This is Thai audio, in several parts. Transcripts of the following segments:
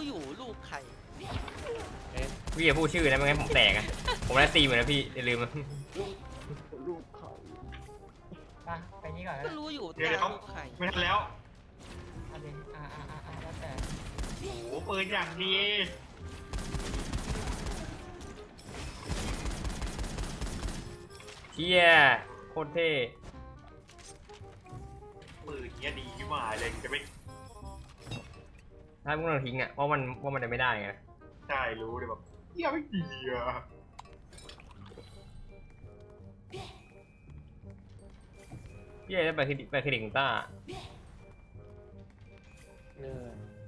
อยู่ลูกใครพี่อย่าพูดชื่อนะไม่งั้นผมแตกอะผมได้ตีเหมือนนะพี่อย่าลืมนะลูกเขาไปนี่ก่อนก็นะรู้อยู่เดี๋ยวตาเขาลูกใครไม่ทันแล้วเอาดิแล้วแต่โอ้โหปืนอย่างดีเที่ยโคตรเท่ปืนเนี้ยดีที่หมายเลยจะไม่ถ้าพวกเราทิ้งอ่ะว่ามันจะไม่ได้ไงใช่รู้เลยแบบเนี้ยไม่ดีอ่ะพี่ได้ไปเครดิตของต้าเนื้อ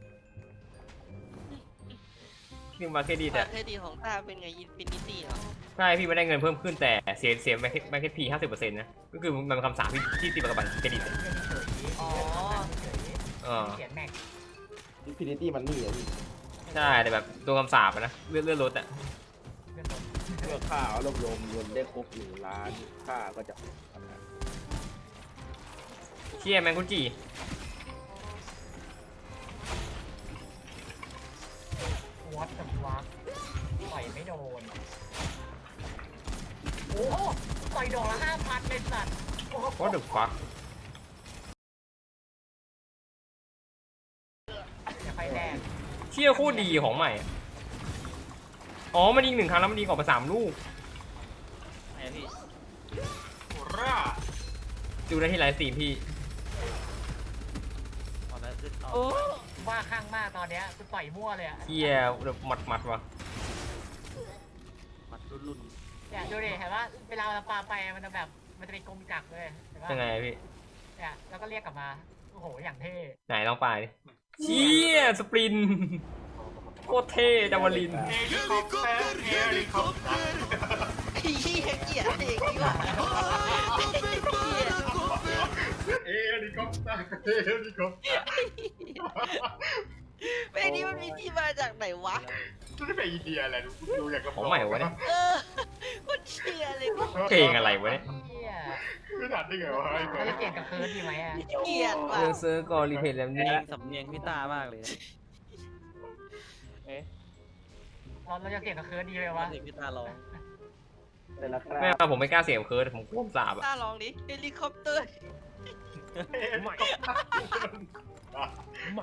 พี่มาเครดิตบัอ่ะตรเครดิตของตาเป็นไงอินฟินิตี้เหรอใช่พี่ไม่ได้เงินเพิ่มขึ้นแต่เสียแบงค์พี50%นะก็คือมันเป็นคำสาปที่ตีกับบัตรเครดิตอ๋อเขียนแม็กอินฟินิตี้มันนี่อ่ะพี่ใช่แต่แบบตัวคำสาปอะนะเลื่อนรถอ่ะเมื่อค่ารวบรวมเงินได้ครบ1 ล้านค่าก็จะทำงานเชี่ยแมงกุจิวัดกับวักต่อยไม่โดนโอ้ต่อยดอกละ5,000เลยสัตว์โอ้โห What the fuck อย่าไปแดงเชี่ยโคตรดีของใหม่อะอ๋อมันยิง1 ครั้งแล้วมันยิงออกมา3 ลูกไหนพี่โหร่าดูได้ที่ไลฟ์สตรีมพี่ตอนนั้นคือโอ้ว่าข้างมากตอนเนี้ยคือต่อยมั่วเลยอะเชี่ยแบบหมัดว่ะมัดรุ่นเนี่ยดูดิเห็นว่าเวลาเราปาไปมันจะแบบมันจะเป็นกลมจักรเลยเห็นปะยังไงพี่เนี่ยแล้วก็เรียกกลับมาโอ้โหอย่างเท่ไหนลองไปดิเชี่ยสปรินต์โคตรเท่จาวลินเฮลิคอปเตอร์เฮลิคอปเตอร์ไอ้เหี้ยเกลียดเองดีกว่าเฮลิคอปเตอร์เฮลิคอปเตอร์เพลงนี้มันมีที่มาจากไหนวะจะได้ไปอินเดียอะไรดูอย่างกับของใหม่วะเนี่ยมันเชียร์เลยเพลงอะไรวะเนี่ยเที่ยไม่ทันได้ไงวะไอ้เเราจะเปลี่ยนกับเคิร์ดดีไหมอะเกลียดว่ะเซิร์ฟก็รีเพลย์แล้วเพลนี่งสำเนียงพี่ตามากเลยเราจะเปลี่ยนกับเคิร์ดดีไหมว่าวะเสียงพี่ตาร้องแต่ละคไม่ราผมไม่กล้าเสียงเคิร์ดผมกลัวสาบอ่ะตาลองดิเฮลิคอปเตอร์ใหม่ใหม่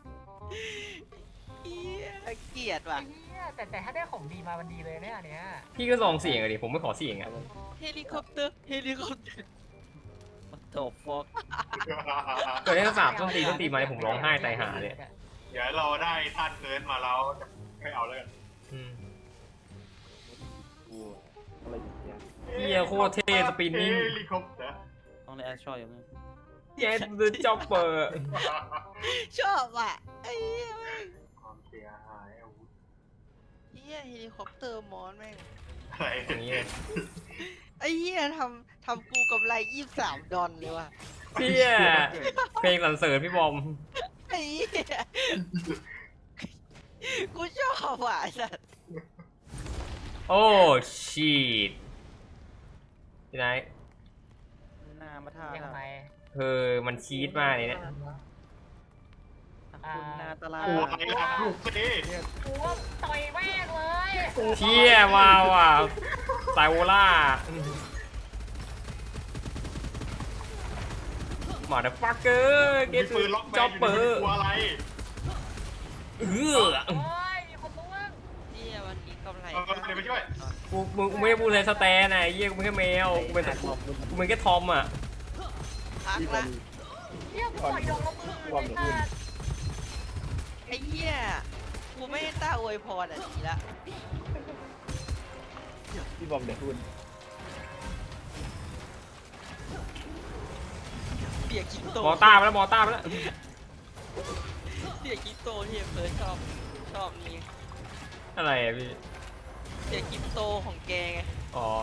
เหี้ยเกลียดว่ะเที่ยแต่ถ้าได้ของดีมามันดีเลยเนี่ยอันเนี้ยพี่ก็ลองเสียงอะดิผมไม่ขอเสียงอ่ะเฮลิคอปเตอร์เฮลิคอปเตอร์มันโตฟอกเกิดได้สาบต้นตีมาเนี่ยผมร้องไห้ตายหาเลยเดี๋ยวเราได้ท่านเกินมาแล้วจะไม่เอาแล้วกันอืมวัวอะไรอย่างเงี้ยเฮียโคตรเท่สปินนิ่งเฮลิคอปเตอร์ต้องในแอชชออย่างนึงเจ็ดเดอะจ็อปเปอร์ชอบอ่ะไอ้เหี้ยแม่งความเสียหายอาวุธเหี้ยเฮลิคอปเตอร์มอนแม่งอะไรอย่างนี้เลยไอ้เหี้ยทำกูกำไร23 ดอลเลยว่ะเฮียเพลงสรรเสริญพี่บอมไอ้เหี้ยกูชอบว่ะไอ้สัสโอ้ชีตที่ไหนหน้ามาท่าเรียกทำไมมันชีตมากเลยเนี่ยคุณหน้าตลาดโอ้ยล่ะลูกสิกูว่าต่อยแม่งเลยเชี่ยว้าวอ่ะไซโวล่ามาเดอะฟักเกอร์เกมีตปืนล็อกแมจ็อน ปอยู่เปอในร์ตัวอะไรโอ้ยมีคนล่วงเหี้ยวันนี้กำไรเดี๋ยวไปช่วยกูไม่ได้พูดเลยสแตนไอ้เหี้ยกูเป็นแค่แมวกูเป็นแค่ทอมอ่ะพักที่คละนเนี่ยกูต่อยดอกละมือความเลยเดือดค่ะไอ้เหี้ยกูไม่ได้ต้าอวยพรอ่ะดีละพี่บอมเดี๋ยวคุณเปียกกินโตมอต้าไปแล้วมอต้าไปแล้วเปียกกินโตที่เฟิร์สชอบนี่อะไรอ่ะพี่เปียกกินโตของแกไงอ๋อ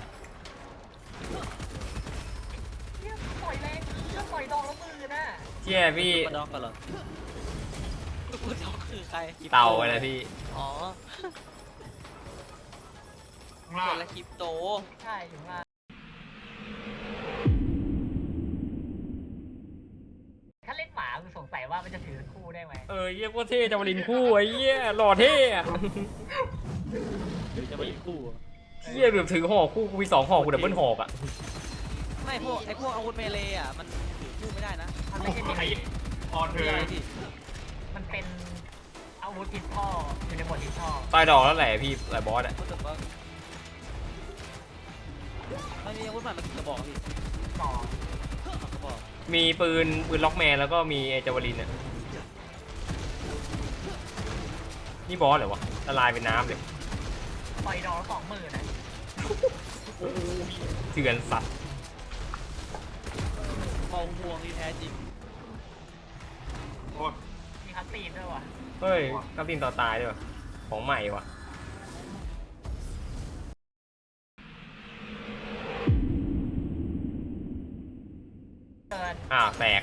เนี่ยต่อยแรงเนี่ยต่อยดอกละมือน่ะเชี่ยพี่มาดอกกันเหรอลูกคุณน้องคือใครเต่าอะไรพี่อ๋อข้างล่าคงนละคริปโตใช่อยู่มาถ้าเล่นหมาคือสงสัยว่าว่ามันจะถือคู่ได้ไหมเยี่ยโคตรเท่จาวลินคู่ไอ้เยี่ยหล่อเท่อะหรือจะมาอีกคู่อะเยี่ยแบบถือหอกคู่กูมี2 หอกกูดับเบิลหอกอ่ะไม่พวกไอพวกอาวุธเมเลย์อ่ะมันถือคู่ไม่ได้นะมันไม่ใช่ไอ้ออนเธคือออะไรพี่มันเป็นอาวุธติดท่ออยู่ในหมวดติดท่อตายดอกแล้วแหละพี่หลายบอสอ่ะรู้สึกว่าไม่มีอาวุธใหม่มากี่กระบอกพี่ต่อ 2 กระบอกมีปืนล็อกแมนแล้วก็มีไอ้จาวลินอ่ะนี่บอสเหรอวะละลายเป็นน้ำเลยปล่อยดอกละ20,000นะเถื่อนสัตว์เมาห่วงที่แท้จริงโอ้ยมีคัสซีนด้วยว่ะเฮ้ยกำตินต่อตายด้วยวะของใหม่วะเกินแตก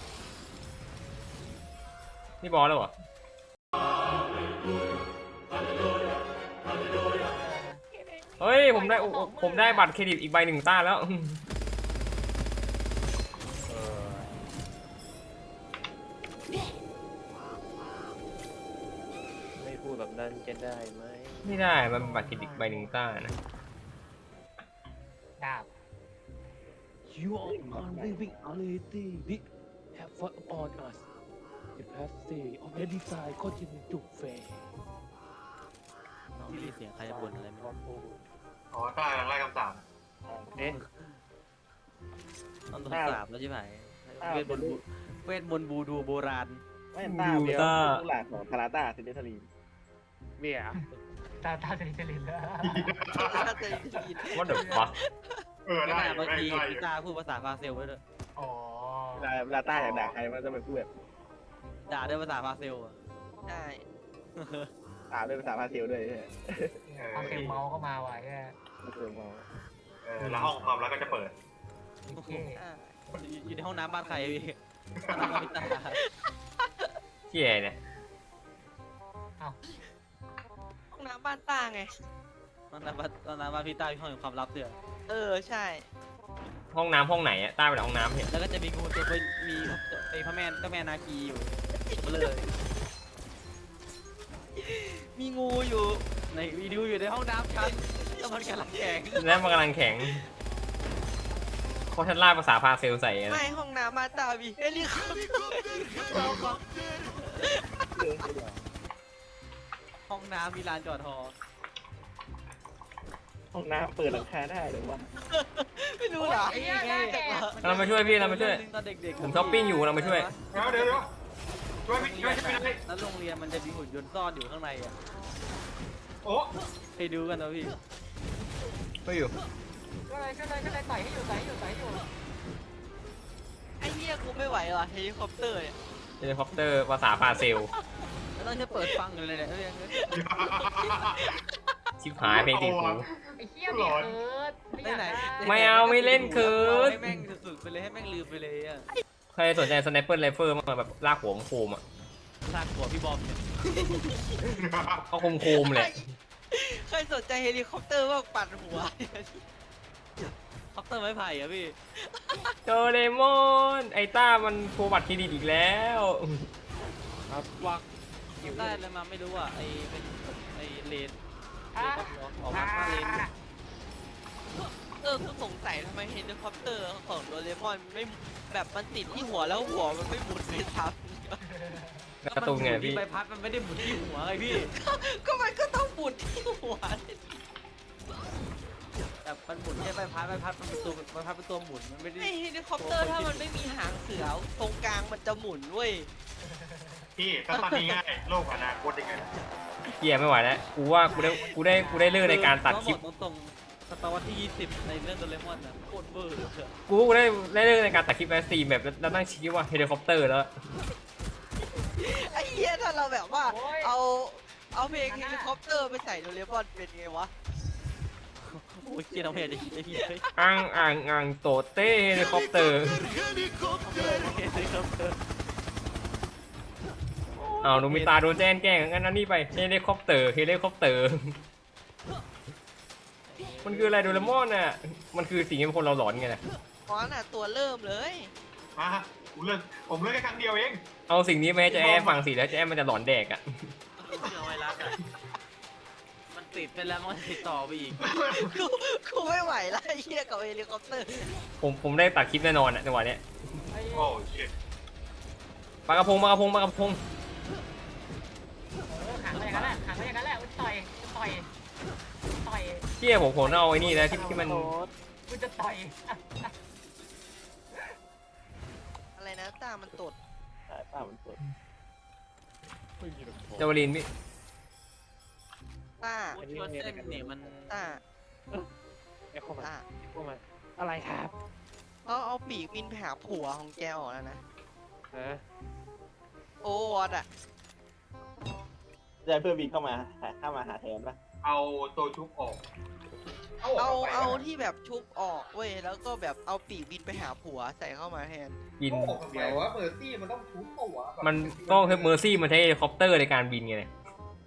นี่บอสแล้วเหรอเฮ้ยผมได้บัตรเครดิตอีกใบ 1 ต้าแล้วไม่พูดแบบนั้นจะได้ไหมไม่ได้มันเป็นบัตรเครดิตใบ 1 ต้านะดาบ You are unliving reality this have fought upon us the plastic of the design continue to fail น้องมีเสียงใครจะบ่นอะไรไหมอ๋อใต้ไล่คำสั่งเอ๊ะต้องโดนสาบแล้วใช่ไหมเวทมนต์บูดูโบราณไม่ตาเดียวลูกหลานของทาราต้าซินเดอร์ทารีนเบียร์ตาเซรินแล้วน่าจะยินว่าเดี๋ยวฟักไม่ได้น่าบางทีได้พี่ตาพูดภาษาฟาเซลไว้ด้วยอ๋อเวลาต้าอยากด่าใครมันจะเป็นพูดแบบด่าด้วยภาษาฟาเซลอะใช่ด่าด้วยภาษาพาเซลด้วยใช่ไหมเอาเซลเมาส์เข้ามาไว้แค่เออมองแล้วห้องความรักก็จะเปิดโอเคอ่าอยู่ในห้องน้ำบ้านใครพี่ห้องน้ำบ้านพี่ตาที่ไหนเนี่ยห้องน้ำบ้านต้าไงห้องน้ำบ้านพี่ตามีห้องแห่งความลับด้วยใช่ห้องน้ำห้องไหนอะต้าไปไหนห้องน้ำเห็นแล้วก็จะมีงูตัวมีไอ้พระแม่เจ้าแม่นาคีอยู่มาเลยมีงูอยู่ในวีดีโออยู่ในห้องน้ำชั้นแล้วมันกำลังแข่งแล้วมันกำลังแข็งเพราะฉันล่าภาษาพาเซลใส่นะไม่ห้องน้ำบ้านต้ามีเฮลิคอปเตอร์ห้องน้ำมีลานจอดฮอห้องน้ำเปิดหลังคาได้หรือว่าไม่รู้เหรอไอ้เนี่ยน่าแก่เรามาช่วยพี่เรามาช่วยตอนเด็กๆผมช้อปปิ้งอยู่เรามาช่วยเดี๋ยวช่วยพี่ช่วยพี่ได้แล้วโรงเรียนมันจะมีหุ่นยนต์ซ่อนอยู่ข้างในอ่ะโอ้ไปดูกันนะพี่ไม่อยู่ก็เลยใส่ให้อยู่ไอ้เหี้ยกูไม่ไหวว่ะเฮลิคอปเตอร์เนี่ยเฮลิคอปเตอร์ภาษาพาเซลแล้วต้องจะเปิดฟังเลยเนี่ยชิบหายเพลงติดหูไอ้เหี้ยเนี่ยเอิร์ดไหนไม่เอาไม่เล่นเคิร์ดให้แม่งสุดๆไปเลยให้แม่งลืมไปเลยอ่ะใครสนใจสไนเปอร์ไรเฟิลมาแบบลากหัวโคมอ่ะลากหัวพี่บอมเนี่ยก็โคมๆแหละเคยสนใจเฮลิคอปเตอร์บ้างปั่นหัวคอปเตอร์ไม้ไผ่อะพี่โดเรมอนไอต้ามันโชว์บัตรเครดิตอีกแล้วครับวักได้อะไรมาไม่รู้อ่ะไอเป็นไอเลนออกมาเลนกูสงสัยทำไมเฮลิคอปเตอร์ของโดเรมอนไม่แบบมันติดที่หัวแล้วหัวมันไม่หมุนไปทับการ์ตูนไงพี่ใบพัดมันไม่ได้หมุนที่หัวไงพี่ก็มันก็ต้องหมุนที่หัวแต่มันหมุนแค่ใบพัดมันเป็นตัวใบพัดเป็นตัวหมุนมันไม่ได้ไอเฮลิคอปเตอร์ถ้ามันไม่มีหางเสือตรงกลางมันจะหมุนเว้ยพี่ถ้าตอนนี้ง่ายโลกอนาคตยังไงเกียร์ไม่ไหวแล้วกูว่ากูได้เลือกในการตัดคลิปตรงๆศตวรรษที่ 20 ในเรื่องโดเรมอนนะโคตรเบอร์เลยอะกูได้เลือกในการตัดคลิปแอสซีแบบแล้วนั่งชี้ว่าเฮลิคอปเตอร์แล้วไอ้เหี้ยถ้าเราแบบว่าเอาเพลงเฮลิคอปเตอร์ไปใส่โดเรมอนเป็นไงวะโอ้ยเกียร์น้องเพจจะคิดได้พี่เฮ้ยอ่างโตเต้เฮลิคอปเตอร์เอาหนูมีตาโดนแจ้งแกล้งงั้นนั่นนี่ไปเฮลิคอปเตอร์มันคืออะไรโดเรมอนน่ะมันคือสิ่งที่คนเราหลอนไงนะเพราะน่ะตัวเริ่มเลยมาผมเลิกแค่ครั้งเดียวเองเอาสิ่งนี้มาให้เจ๊แอมฟังสิแล้วเจ๊แอมมันจะหลอนแดกอ่ะเป็นเชื้อไวรัสอ่ะมันติดไปแล้วมันติดต่อไปอีกกูไม่ไหวแล้วไอ้เหี้ยกับเฮลิคอปเตอร์ผมได้ตัดคลิปแน่นอนอ่ะจังหวะเนี้ยโอ้ชิตปลากระพงขังไปอย่างนั้นแหละขังไปอย่างนั้นแหละต่อยเชี่ยผมเอาไอ้นี่นะที่มันกูจะต่อยอะไรนะตามันตดป้ามันสดไม่มีหรอกจาวลินพี่ตาพูดที่ว่าเส้นเนี่ยมันตาไอ้เข้ามาตาเข้ามาอะไรครับเอาปีกบินไปหาผัวของแกออกแล้วนะฮะโอ้วอดอะจะเพื่อบินเข้ามาหาแทนปะเอาตัวชุบออกเอาที่แบบชุบออกเว้ยแล้วก็แบบเอาปีกบินไปหาผัวใส่เข้ามาแทนบินออกทำไมวะเมอร์ซี่มันต้องชุบตัวมันก็เมอร์ซี่มันใช้เฮลิคอปเตอร์ในการบินไงเนี่ย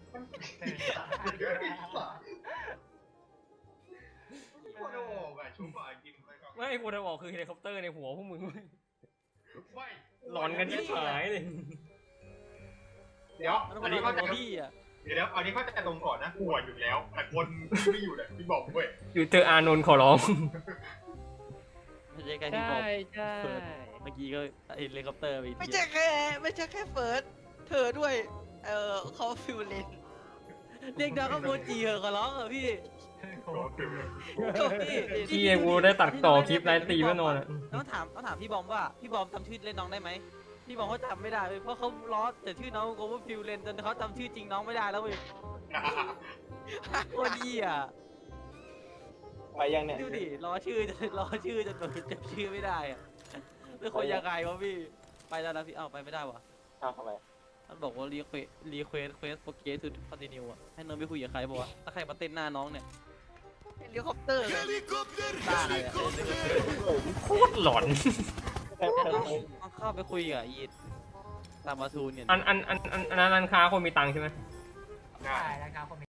คนออกอะชุบอะกินไปก่อนไม่ควรจะบอกคือเฮลิคอปเตอร์ในหัวพวกมึงไม่หลอนกันที่หายเลยเดี๋ยวมันอันนี้เขาจะพี่อ่ะเดี๋ยวอันนี้เขาจะตรงก่อนนะหัวอยู่แล้วแต่คนไม่อยู่เลยพี่บอกเว้ยอยู่เจออานนท์ขอร้องไม่ใช่แค่ที่บใช่อกใช่เมื่อกี้ก็เฮลิคอปเตอร์ไปอีกไม่ทีใช่แค่เฟิร์สเธอด้วยเขาฟิวเลนเรียกดาวก็โมจิเหอะขอร้องเหรอพี่ที่กูได้ตัดต่อคลิปไลฟ์สตรีมแน่นอนอะต้องถามพี่บอมว่าพี่บอมจำชื่อเล่นน้องได้ไหมพี่บอมเขาจำไม่ได้เลยเพราะเขาล้อแต่ชื่อน้องโกว่าฟิวเลนจนเขาจำชื่อจริงน้องไม่ได้แล้วเว้ยโคตรดีอ่ะไปยังเนี่ยดูดิล้อชื่อจนแบบจำชื่อไม่ได้อ่ะเป็นคนยังไงวะพี่ไปแล้วนะพี่ไปไม่ได้วะเอาเข้าไปมันบอกว่ารีเควสโปรเกสทูคอนติเนียอะให้น้องไปคุยกับใครบอกว่าถ้าใครมาเต้นหน้าน้องเนี่ยเฮลิคอปเตอร์เลยบ้าเลยอ่ะโคตรหลอนต้องเข้าไปคุยกับอีตามาซูนเนี่ยอันนั้นค้าคนมีตังค์ใช่ไหมใช่ใช่แล้วครับผม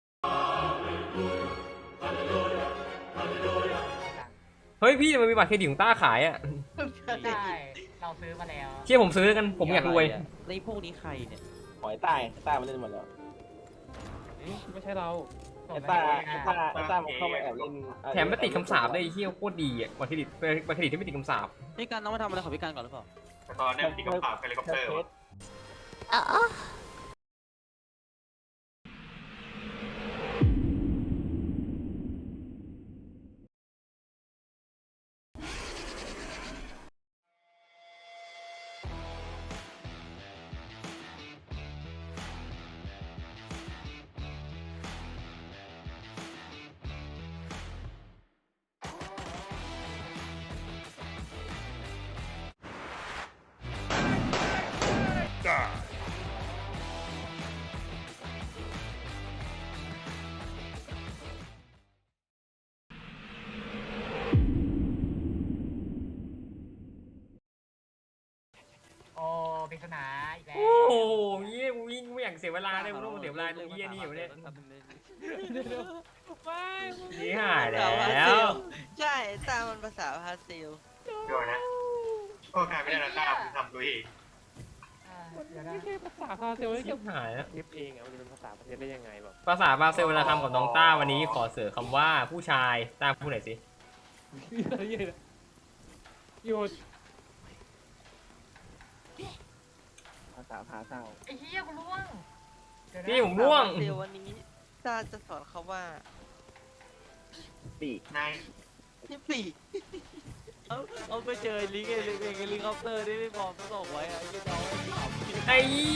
เฮ้ยพี่มันมีบัตรเครดิตของต้าขายอ่ะใช่เราซื้อมาแล้วเชี่ยผมซื้อกันผมอยากรวยไอ้พวกนี้ใครเนี่ยหอยใต้มันเล่นหมดแล้วไม่ใช่เราไอ้ต้ามันเข้ามาแอบเล่นแถมไม่ติดคำสาปได้ไอ้เหี้ยโคตรดีอ่ะบัตรเครดิตที่ไม่ติดคำสาปพี่การน้องมาทำอะไรของพี่การก่อนหรือเปล่าแต่ตอนนี้มันติดกับข่าวเฮลิคอปเตอร์วะโอ้ปริศนาอีกแล้วโอ้โหเยี่ยกูวิ่งไม่อยากเสียเวลาเลยกูต้องเสียเวลาตรงเยี่ยนี่อยู่เนี่ยนี่หายแล้วใช่ตามันภาษาพาสเซลเดี๋ยวนะโอ้ใครไม่ได้นะต้าผมทำตัวเองเดี๋ยวนะไม่ใช่ภาษาพาเซลไม่ชิใช่บหายแล้วคลิปเองอ่ะมันจะเป็นภาษาพาเซลได้ยังไงแบบภาษาบราซิลเวลาทำกับน้องต้าวันนี้ขอเสริมคำว่าผู้ชายต้าพูดหน่อยสิหยุดภาษาพาเศร้าไอ้เหี้ยกูล่วงเดี๋ยวนะพี่ผมร่วงภาษาพาสเซลวันนี้ตาจะสอนเขาว่าปีกนายที่ปีกเอาไปเจอลิงก์เฮลิคอปเตอร์ที่พี่บอมส่งไว้อะไอ้เจ้าน้องไอ้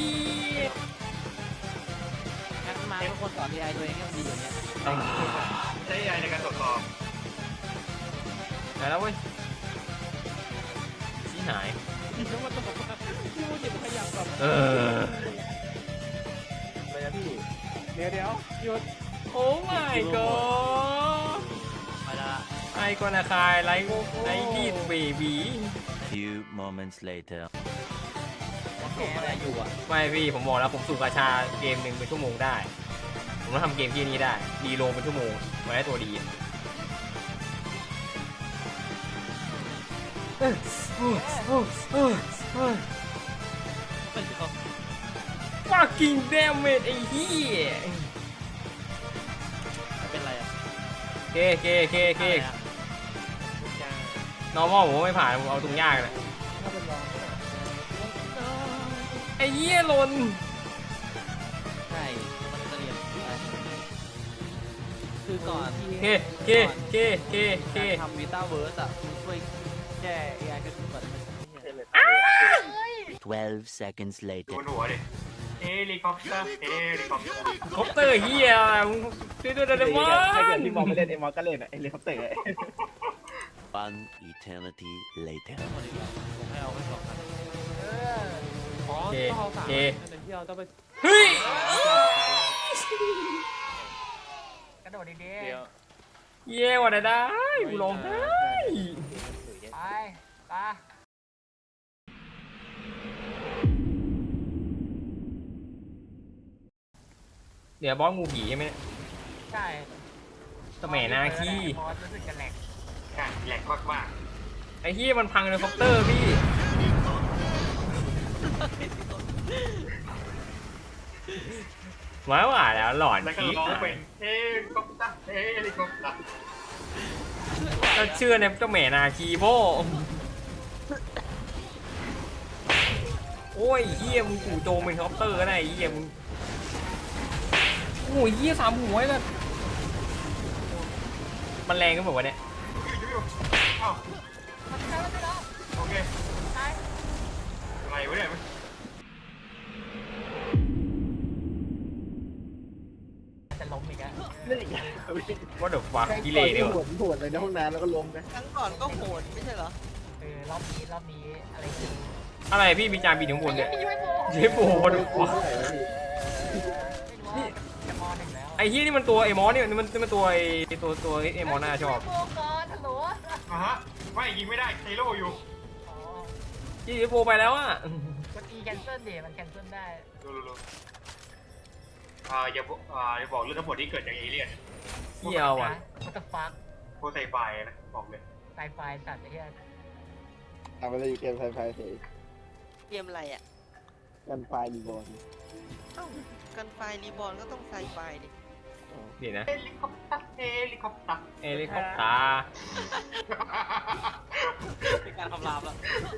งั้นมาทุกคนสอน AI ตัวเองให้มันดีอย่างเนี้ยใช้ AI ในการตรวจสอบไหนแล้วเว้ยชี้หายพี่ต้องมาตบมาพี่พูดอย่าขยับแบบเออเลยนะพี่เดี๋ยวหยุดโอ้ my god ไปละไอ้กนาคายไลค์ดีดเบบี Few moments later. แกอะไรอยู่อ่ะไม่พี่ผมบอกแล้วผมสูบกาชาเกมหนึ่งเป็นชั่วโมงได้ ผมต้องทำเกมที่นี้ได้ดีโลเป็นชั่วโมงมาได้ตัวดีตไม่เขา fucking damn it ไอ้เหี้ยเป็นไรอ่ะเค normal ผมไม่ผ่านผมเอาตรงยากเลยไอ้เหี้ยหล่นใช่มันเรียนคือก่อนที่เคทำวีต้าเวิร์สอ่ะมันช่วยแก้ AI ก็คือแบบมัน 12 seconds โด later. นหัวดิเฮลิคอปเตอร์เฮลิคอปเตอร์คอปเตอร์เหี้ยมึงช่วยด้วยได้ไหมถ้าเกิดพี่บอลไม่เล่นไอ้มอสก็เล่นอะไอ้เฮลิคอปเตอร์ไอ้ One eternity later. ผมให้เอาแค่2คันเอออ๋อต้องเอา3อันที่เราต้องไปเฮ้ยกระโดดดีเดี๋ยวเย้ว่ะได้กูร้องไห้ๆไปไปเดี๋ยวบอสงูผีใช่ไหมใช่สมัยนาคีบอสรู้สึกจะแหลกใช่แหลกมากไอ้เหี้ยมันพังเฮลิคอปเตอร์พี่ว้าวแล้วหลอนๆแล้วก็ผีร้องเป็นเฮลิคอปเตอร์เฮลิคอปเตอร์ก็เชื่อในเจ้าแม่นาคีโบโอ้ยเหี้ยมึงจู่โจมเป็นเฮลิคอปเตอร์ก็ได้ไอ้เหี้ยมึงโอ้ยเหี้ย3 หัวเลยมันแรงกันแบบวะเนี่ยอยู่อ้าวโอเคอะไรวะเนี่ยจะล้มอีกอะเล่นอีกอย่างว่าเดี๋ยวฟักกิเลสเนี่ยหวนเลยในห้องน้ำแล้วก็ล้มนะครั้งก่อนก็โหดไม่ใช่เหรอรอบนี้อะไรคืออะไรพี่มีจานบินถึงบนเนี่ยไม่ใช่โบเชฟโอ้โหไม่รู้ว่าจะมอหนึ่งแล้วไอ้เหี้ยนี่มันตัวไอ้มอสเนี่ยมันตัวไอ้ตัวไอ้มอสน่าชอบโบก่อนฮัลโหลอ่ะฮะไม่ยิงไม่ได้เทโร่อยู่อ๋อที่เชฟโไปแล้วอ่ะกด E แคนเซิลดิมันแคนเซิลได้ดูอย่าบอกเรื่องทั้งหมดที่เกิดจากเอเลี่ยนเหี้ยวอ่ะ What the fuck โคไซไฟนะบอกเลยไซไฟสัตว์ไอ้เหี้ยทำอะไรอยู่เกมไฟไฟเฉยเกมอะไรอ่ะกันไฟมีบอลเอ้ากันไฟรีบอลก็ต้องไซไฟดินี่นะเฮลิคอปเตอร์เฮลิคอปเตอร์เฮลิคอปเตอร์เป็นการคำรามแล้ว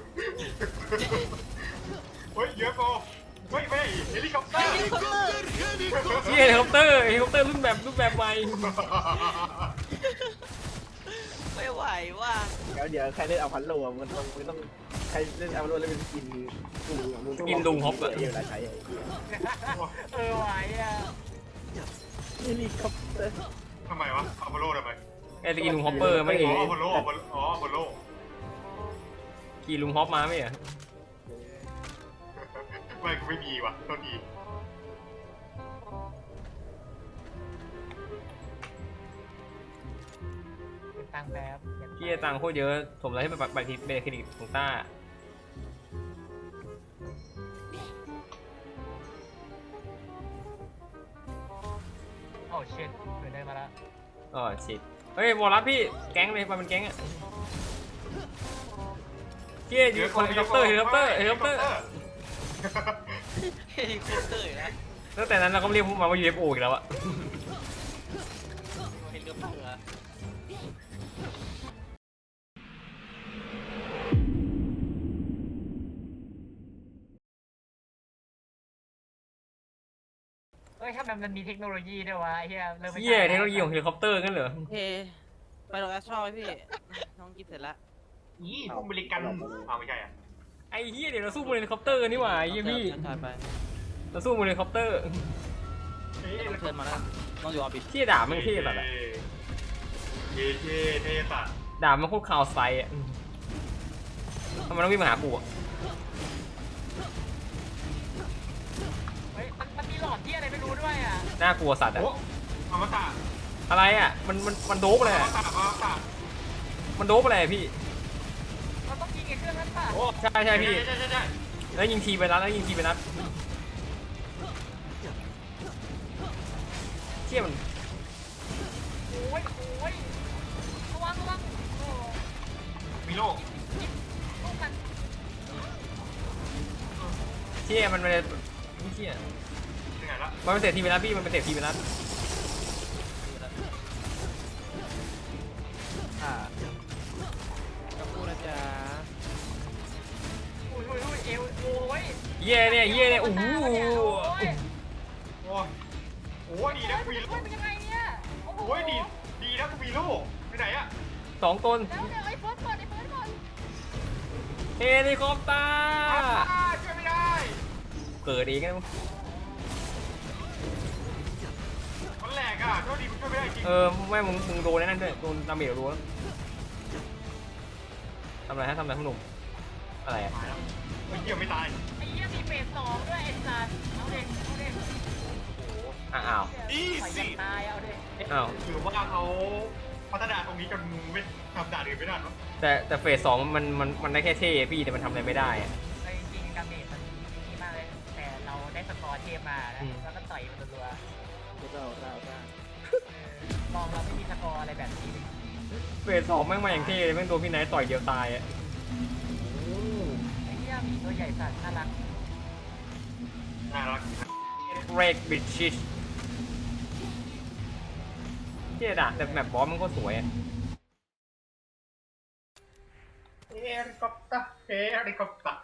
เฮ้ยเยอะโกเฮ้ยไม่เฮลิคอปเตอร์เหี้ยเฮลิคอปเตอร์รุ่นแบบใหม่ไม่ไหวว่ะเดี๋ยวใครเล่นเอาพันโลมันต้องใครเล่นเอาพันโลแล้วเป็นสกินลุงเวลาใช้ไหวอ่ะเฮลิคอปเตอร์ทำไมวะอัพโลทำไมไอ้ตะกี้ลุงฮอปเปอร์ไม่อ๋เห็นออัพโลอ๋ออัพโลกี่ลุงฮอปมาไม่เหรอไม่กูไม่มีว่ะโทษทีเป็นตังแบบเหี้ยตังค์โคตรเยอะสมแล้วให้เป็นบัตรเครดิตของต้าโอ้เช็ดเกิดได้มาแล้วอ๋อชิดเฮ้ยวอลลัสพี่แก๊งเลยมาเป็นแก๊งอ่ะเหี้ยอยู่คนเฮลิคอปเตอร์เฮลิคอปเตอร์อยู่นะตั้งแต่นั้นเราก็เรียกพวกมันว่า UFO อีกแล้วอะเฮลิคอปเตอร์เหรอเอ้ยถ้ามันมีเทคโนโลยีด้วยวะไอ้เหี้ยเริ่มไม่เหี้ยเทคโนโลยีของเฮลิคอปเตอร์กันเหรอโอเคไปลงแอสทรอลไหมพี่น้องกินเสร็จแล้วนี่พวกอเมริกันเอาไม่ใช่อ่ะไอ้เหี้ยเดี๋ยวเราสู้บนเฮลิคอปเตอร์กันนี่หว่าไอ้เหี้ยพี่ถ่ายไปเราสู้บนเฮลิคอปเตอร์ต้องเชิญมาแล้วต้องอยู่ออฟฟิศเหี้ยด่ามันเท่สัตว์อะเท่เท่สัตว์ด่ามันโคตรคาวไซอะทำไมต้องวิ่งมาหากูอะเฮ้ยมันมีหลอดที่อะไรไม่รู้ด้วยอ่ะน่ากลัวสัตว์อะโอ้อมตะอะไรอะมันโดบอะไรอมอะตะอมตะมันโดบอะไรอะพี่เราต้องยิงไอ้เครื่องนั้นป่ะโอ้ใช่พี่ใช่แล้วยิงทีไปนัดเชี่ยมันโอ้ยระวังโอ้มีโลกมันไม่ได้ไม่เชี่ยยังไงละมันเป็นเศษทีไปแล้วพี่มันเป็นเศษทีไปแล้วอ่ากับกูนะจ๊ะอุ้ยเอวโอ้ยเย่เนี่ยโอ้โหโอ้ยโอ้ยโอ้ยดีนะกูมีลูโอ้ยกเป็นยังไงเนี่ยโอ้โหโอ้ยดีนะกูมีลูกไปไหนอะ 2 ตนแล้วเดี๋ยวไอ้เฟิร์สก่อนไอ้เฟิร์สก่อนเฮลิคอปเตอร์ช่วยไม่ได้เกิดเองนะมันแหลกอ่ะโทษดีกูช่วยไม่ได้จริงไม่มึงโดนนั่นด้วยโดนดาเมจรัวทำอะไรทำอะไรข้างหนุ่มอะไรอ่ะตายแล้วไอ้เหี้ยไม่ตายไอ้เหี้ยมีเฟส2ด้วยไอ้สัตว์เอาเด็กอ้าวปล่อยยันตายเอาเด็กอ้าวหรือว่าเขาพัฒนาตรงนี้จนไม่ทำด่านอื่นไม่ได้หรอแต่เฟส 2มันได้แค่เท่พี่แต่มันทำอะไรไม่ได้อะจริงๆดาเมจมันดีมากเลยแต่เราได้สกอร์เทพมานะแล้วก็ต่อยมันรัว มองเราไม่มีสกอร์อะไรแบบนี้เฟส 2แม่งมาอย่างเท่เลยแม่งโดนพี่ไนท์ต่อยเดียวตายอ่ะไอ้เหี้ยมีตัวใหญ่สัตว์น่ารักน่ารักเรกบิชชิชเท่ด่ะแต่แมปบอสมันก็สวยอ่ะเฮลิคอปเตอร์